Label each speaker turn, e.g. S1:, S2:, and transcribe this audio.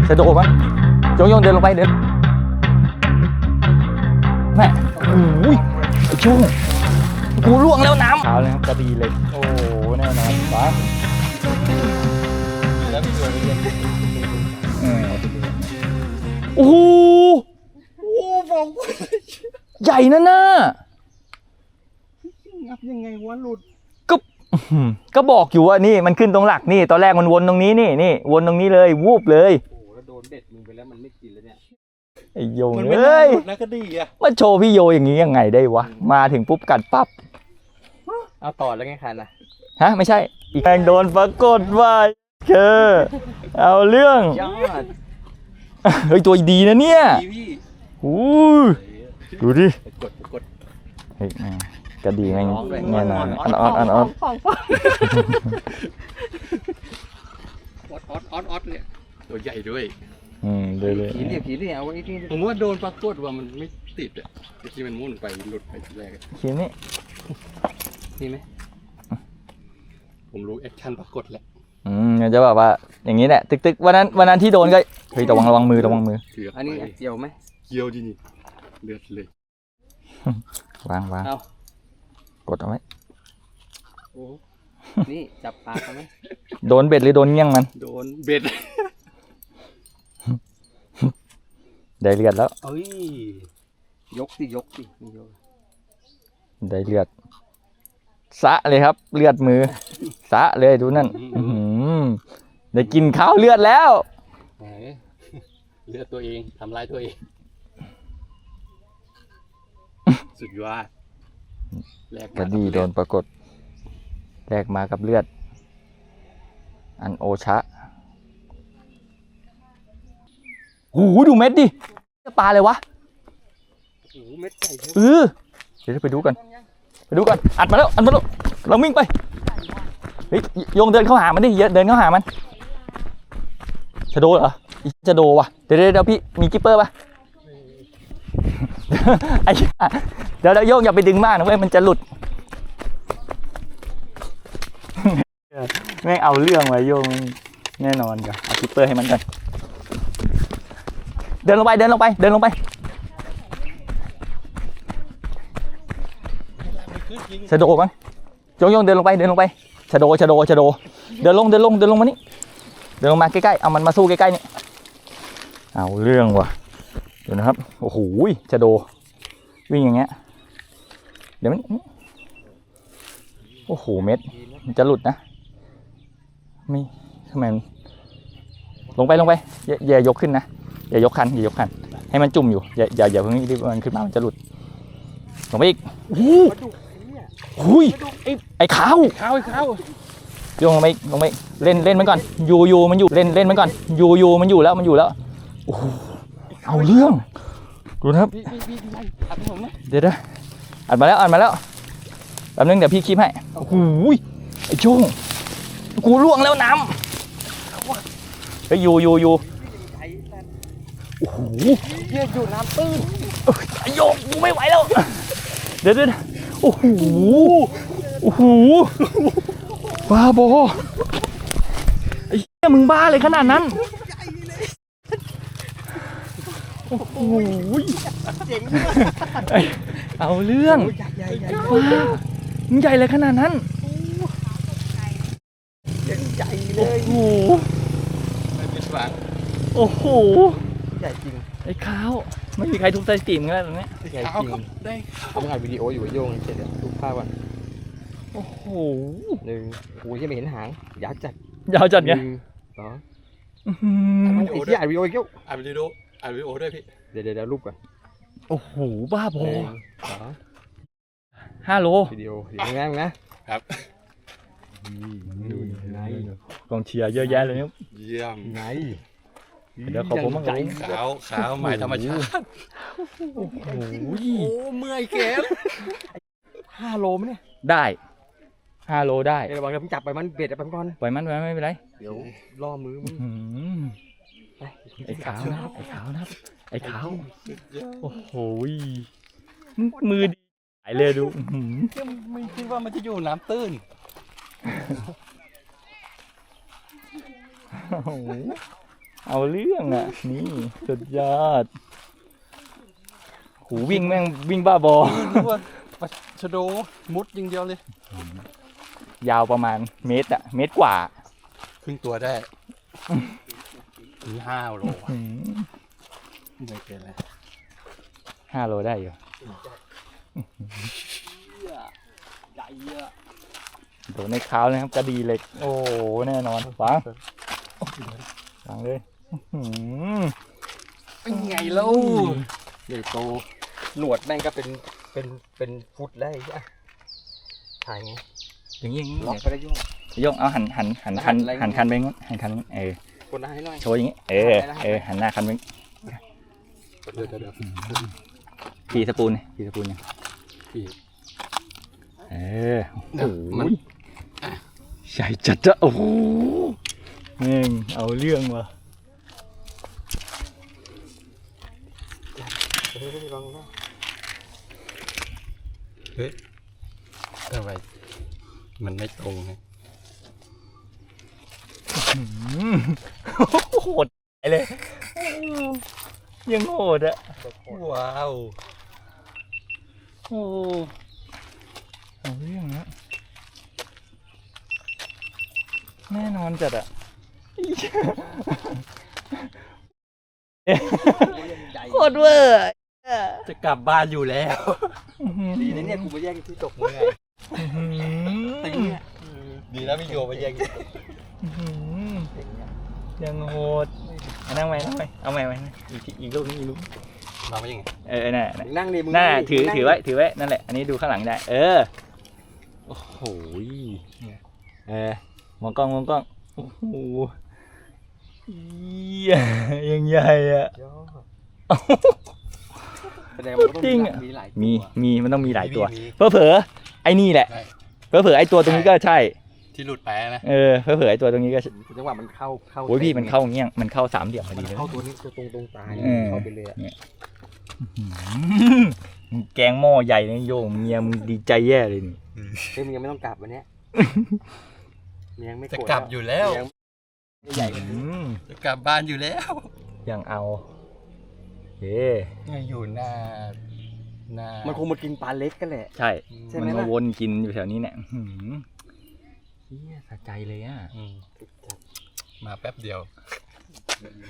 S1: จะโดดมั้ยโยงเดินลงไปเดินแม่โอ้ยไอ้ช่วงกูล่วงแล้วน้ำขาวเลยครับกระดีเลยโอ้แน่นอนปะแล้วพี่ตัวนี้โอ้โหบอกใหญ่นะน่ะ
S2: งับยังไงวะหลุด
S1: ก็บอกอยู่ว่านี่มันขึ้นตรงหลักนี่ตอนแรกมันวนตรงนี้นี่วนตรงนี้เลยวูบเลย
S2: โอ้แล้วโดนเด็ดมึงไปแล้วมันไม่กินแล้วเนี่ย
S1: ไอ้โยงเอ้ย
S2: นะก็ดีอ่ะ
S1: มาโชว์พี่โยอย่างนี้ยังไงได้วะมาถึงปุ๊บกัดปั๊บ
S2: เอาต่อแล้วไงคันนะ
S1: ฮะไม่ใช่อีกแรงโดนปรากฏว่าเอาเรื่องเฮ้ยตัวดีนะเนี่ยดูดิ
S2: กด
S1: เฮ้ยกระดีแม่งแน่นอนอ
S2: อดเนี่ยตัวใหญ่ด้วย
S1: เลย
S2: ผีเรียกเอาไว้ที่ผมว่าโดนปรากฏว่ามันไม่ติดอ่ะที่มันมุ่นไปหลุดไปทีแรก
S1: ขีนี่
S2: นี่ไหมผมรู้แอคชั่นปรากฏแหละ
S1: จะแบบว่าอย่างนี้แหละตึกวันนั้นที่โดนก็เฮ้ยระวังมือ
S2: อันนี้เกี่ยวไหมเกี่ยวดินี่เลือดเลยว
S1: างกดเอาไว้
S2: โอ้นี่จับปลาเขาไหม
S1: โดนเบ็ดหรือโดนเงี้ยงมัน
S2: โดนเบ็ด
S1: ได้เลือดแล้ว
S2: เอ้ยยกสิ
S1: ได้เลือดสะเลยครับเลือดมือสะเลยดูนั่นได้กินข้าวเลือดแล้ว
S2: เลือดตัวเองทำลายตัวเองสุดยอด
S1: กระดีโดนปรากฏแลกมากับเลือดอันโอชะโอ้โหดูเม็ดดิปลาเลยวะ
S2: โอ้เม็ดใหญ่เ
S1: ดี๋ยวไปดูกันอัดมาแล้วเราวิ่งไปเฮ้ยโยงเดินเข้าหามันดิเดินเข้าหามันจะโดเหรอจะโดว่ะเดี๋ยวพี่มีกิ๊ปเปอร์ป่ะเดี๋ยวโยงอย่าไปดึงมากนะเว้ยมันจะหลุดแม่งเอาเรื่องไว้โยงแน่นอนกับเอากิ๊ปเปอร์ให้มันกันเดินลงไปจะโดมั้งโยงเดินลงไปจะโดเดินลงมานี่เดินลงมาใกล้ๆเอามันมาสู้ใกล้ๆนี่เอาเรื่องว่ะเดี๋ยวนะครับโอ้โหจะโดวิ่งอย่างเงี้ยเดี๋ยวมันโอ้โหเม็ดมันจะหลุดนะไม่ทำไมลงไปอย่ายกขึ้นนะอย่ายกคันให้มันจุ่มอยู่อย่าเพิ่งรีบมันขึ้นมามันจะหลุดลงไปอีกหุยไอ้ขาวโยงลงไปเล่นมันก่อนอยู่มันอยู่เล่นมันก่อนอยู่มันอยู่แล้วโอ้โหเอาเรื่องดูนะครับเดี๋ยวอัดมาแล้วแป๊บนึงเดี๋ยวพี่คลิปให้โอ้โหไอ้ช่วงกูล่วงแล้วน้ำเฮ้ยอยู่โอ้โห
S2: อยู่น้ำตื้น
S1: ไอ้โยงกูไม่ไหวแล้วเดี๋ยวโอ้โหบ้าบอไอ้เหี้ยมึงบ้าเลยขนาดนั้นโอ้โหเอาเรื่องมึงใหญ่เลยขนาดนั้น
S2: ใหญ่เลย
S1: โอ้โห
S2: ใหญ่จริง
S1: ไอ้ขาวไม่มีใครทุบสถิติมึงแล้วตรงนี้
S2: ใหญ่จริงได้ผมถ่ายวิดีโออยู่โยงเสร็จแล้วทุบภาพก่อน
S1: โอ้โห
S2: โอ้ยยังไม่เห็นหางยาว
S1: จัดไง
S2: ต่อที่อ่านวิดีโออีกแล้วอ่านวิดีโอด้วยพี่เดี๋ยวรูปก่อน
S1: โอ้โหบ้าบอ5 โล
S2: วิดีโอนะครับ
S1: กองเชียร์เยอะแยะเลยเนี่ย
S2: เยี่ยมไง
S1: เดี๋ยวขอผมมั่ง
S2: ขาวใหม่ธรรมชาติ
S1: โอ้โห
S2: เมื่อยแขน5 โลมั้ยเนี่ย
S1: ได้5 โลได้
S2: ระวังเดี๋ยวผมจับไปมันเบ็ดไปก่อน
S1: ปล่อยมันไม่เป็นไร
S2: เดี๋ยวล่อมือมึง
S1: ไอ้ขาวนะไอ้ขาวโอ้โหมือดีหายเลยดู
S2: ไม่คิดว่ามันจะอยู่น้ำตื้น
S1: เอาเรื่องอ่ะนี่สุดยอดหูวิ่งแม่งวิ่งบ้าบอ
S2: นึกว่าปลาชะโดมุดยิงเดียวเลย
S1: ยาวประมาณเมตรอะเมตรกว่า
S2: ครึ่งตัวได้ถึง5 โล
S1: อืม
S2: ไม่เป็นไร
S1: 5 โลได้อยู่
S2: ใหญ่เยอะ
S1: โดนในเท้าเลยครับกระดีเหล็กโอ้โหแน่นอนฟังฟังเลยอื้อหือ
S2: เป็นไงเล่าใหญ่โตหนวดแม่งก็เป็นฟุตได้อ่ะถ่ายไง
S1: อย่างนี้
S2: ล็อกไปได้ยุ่ง
S1: โยงเอาหันคันหันคันไปงั้นหันคันเออ
S2: คนให้หน่อย
S1: โชว์อย่างงี้หันหน้าคันไป
S2: เดี๋ยว
S1: ขี่สปูนขี่สปูนยัง
S2: พี่
S1: โอ้โห
S2: มัน
S1: ใหญ่จัดจ้ะโอ้โหแม่งเอาเรื่องว่ะ
S2: ลองนะเฮ้ยอะไรมันไม่ตรงไง
S1: โหดเลยยังโหดอะ
S2: ว้าว
S1: โอ้เอาเรื่องนะแน่นอนจัดอะโคตรเวอร์
S2: จะกลับบ้านอยู่แล้ว
S3: ดีนะเนี่ยกูมาแย่งที่ตกมือไงตึงเนี่ย
S2: ดีแล้วพี่โยมาแย่ง
S1: ยังโหดนั่งไปเอาใหม่อีกลูกนึงอีกลูก
S2: มาไม่ยังไง
S1: น่ะ
S3: นั่งดิมึง
S1: น่ะถือไว้นั่นแหละอันนี้ดูข้างหลังได้โอ้โหมองกล้องโอ้โหยังใหญ่อะ
S3: แสดงว่าต้อง
S1: จริงอะ
S3: มีหลายตัว
S1: มีมันต้องมีหลายตัวเผลอไอ้นี่แหละเผลอไอ้ตัวตรงนี้ก็ใช่
S2: ที่หลุดไปนะ
S1: เผลอไอ้ตัวตรงนี้ก็
S3: จังหวะมันเข้า
S1: โอ้ยพี่มันเข้าเงี้ยมันเข้า3 เหลี่ยมพอ
S3: มั
S1: ดี
S3: น
S1: เลย
S3: เข้าตัวนี้ตัวตรงตา เข้าไปเลยอะ
S1: แกงหม้อใหญ่นะโยมเมียมึงดีใจแย่เลยนี่
S3: เฮ้ยมึงยังไม่ต้องกลับวันเนี้ยมึงยังไม่
S2: จะ
S3: โรธ
S2: กลับอยู่แล้ว
S3: ยังใหญ่กว่า
S2: จะกลับบ้านอยู่แล้ว
S1: ยังเอาเฮ้
S2: ยังอยู่หน้า
S3: มันคงมากินปลาเล็กกันแหละ
S1: ใช่
S3: ใช่ไหม
S1: มัน
S3: ล่ะ
S1: มาวนกินอยู่แถวนี้เนี่ยเฮียสะใจเลยอ่ะ
S2: มาแป๊บเดียว